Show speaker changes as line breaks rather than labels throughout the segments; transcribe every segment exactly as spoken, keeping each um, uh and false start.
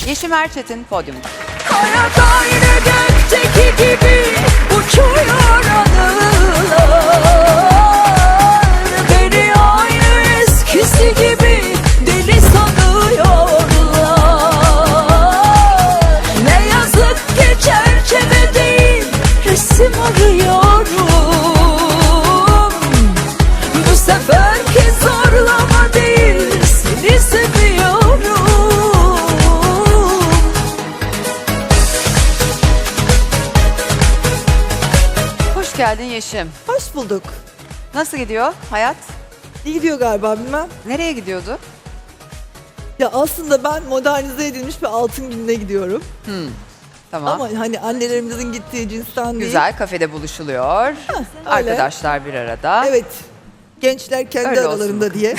Yeşim Erçetin podyumda.
Kara daire gökteki gibi uçuyor anılar. Beni aynı eskisi gibi deli sanıyorlar. Ne yazık ki çerçeve değil resim arıyorum. Bu seferki zorlama değil seni seviyorum.
Hoş geldin Yeşim.
Hoş bulduk.
Nasıl gidiyor hayat?
İyi gidiyor galiba bilmem.
Nereye gidiyordu?
Ya aslında ben modernize edilmiş bir altın gününe gidiyorum.
Tamam.
Ama hani annelerimizin gittiği cinsten değil.
Güzel, kafede buluşuluyor. Arkadaşlar bir arada.
Evet. Gençler kendi
Öyle olsun
aralarında
bakalım.
diye.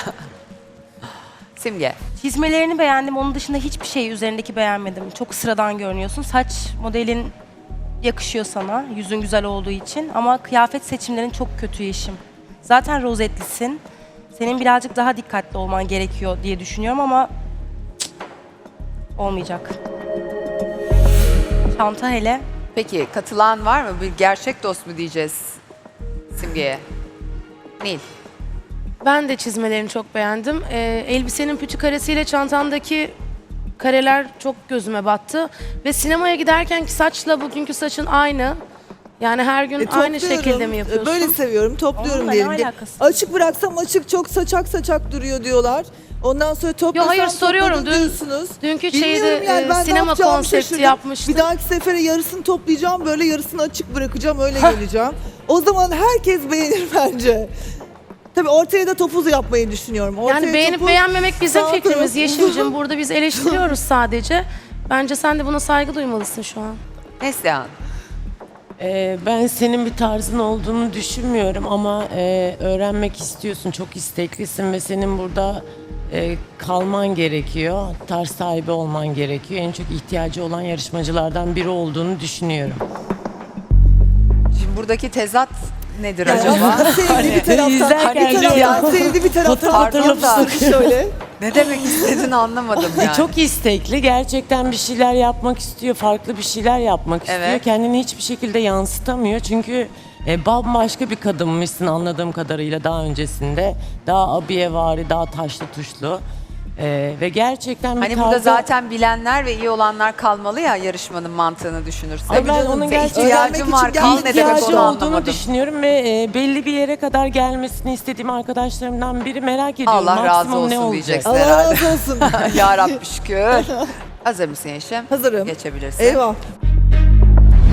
Simge.
Çizmelerini beğendim. Onun dışında hiçbir şey üzerindeki beğenmedim. Çok sıradan görünüyorsun. Saç modelin yakışıyor sana. Yüzün güzel olduğu için. Ama kıyafet seçimlerin çok kötü Yeşim. Zaten rozetlisin. Senin birazcık daha dikkatli olman gerekiyor diye düşünüyorum ama cık, olmayacak. Çanta hele.
Peki katılan var mı? Bir gerçek dost mu diyeceğiz Simge'ye? Nil.
Ben de çizmelerini çok beğendim. Ee, elbisenin pütü karesiyle çantandaki kareler çok gözüme battı. Ve sinemaya giderkenki saçla bugünkü saçın aynı. Yani her gün
E,
aynı
topluyorum.
şekilde mi yapıyorsun?
Böyle seviyorum, topluyorum
Onunla ne
diyelim. ki.
alakası?
Açık bıraksam açık çok saçak saçak duruyor diyorlar. Ondan sonra toplasam
Yo, hayır, soruyorum.
topladım
Dün-
diyorsunuz.
dünkü
Bilmiyorum
şeyde,
yani,
e,
ben ne
sinema
yapacağımı
konsepti
şaşırdım.
yapmıştın.
Bir dahaki sefere yarısını toplayacağım, böyle yarısını açık bırakacağım, öyle geleceğim. O zaman herkes beğenir bence. Tabii ortaya da topuz yapmayı düşünüyorum. Ortaya
Yani beğenip
topuz,
beğenmemek bizim
sağ
fikrimiz
tarafı-
Yeşim'cim. Burada biz eleştiriyoruz sadece. Bence sen de buna saygı duymalısın şu an.
Neslihan.
Ee, ben senin bir tarzın olduğunu düşünmüyorum ama e, öğrenmek istiyorsun, çok isteklisin ve senin burada e, kalman gerekiyor, tarz sahibi olman gerekiyor. En çok ihtiyacı olan yarışmacılardan biri olduğunu düşünüyorum.
Şimdi buradaki tezat nedir
Yani
acaba?
aslında sevdi bir taraftan,
İzlerken
bir taraftan sevdi bir taraftan
Pardon da.
atlamışsın şöyle.
Ne demek istediğini anlamadım
E,
yani.
Çok istekli, gerçekten bir şeyler yapmak istiyor, farklı bir şeyler yapmak istiyor.
Evet.
Kendini hiçbir şekilde yansıtamıyor çünkü e, bambaşka bir kadınmışsın anladığım kadarıyla daha öncesinde. Daha abiyevari, daha taşlı tuşlu. E, ve gerçekten bir
Hani burada
tarzı-
zaten bilenler ve iyi olanlar kalmalı ya, yarışmanın mantığını düşünürsek.
Ay ben
canım,
onun
Ve
gerçekten
ihtiyacım var,
için
kal ne demek
ihtiyacı
onu
olduğunu
anlamadım.
düşünüyorum ve e, belli bir yere kadar gelmesini istediğim arkadaşlarımdan biri, merak ediyorum.
Allah razı
maksimum ne
olsun
olacak?
diyeceksin
Allah
herhalde.
razı olsun.
Ya Rabbi şükür. Hazır mısın Yeşim?
Hazırım.
Geçebilirsin.
Eyvah.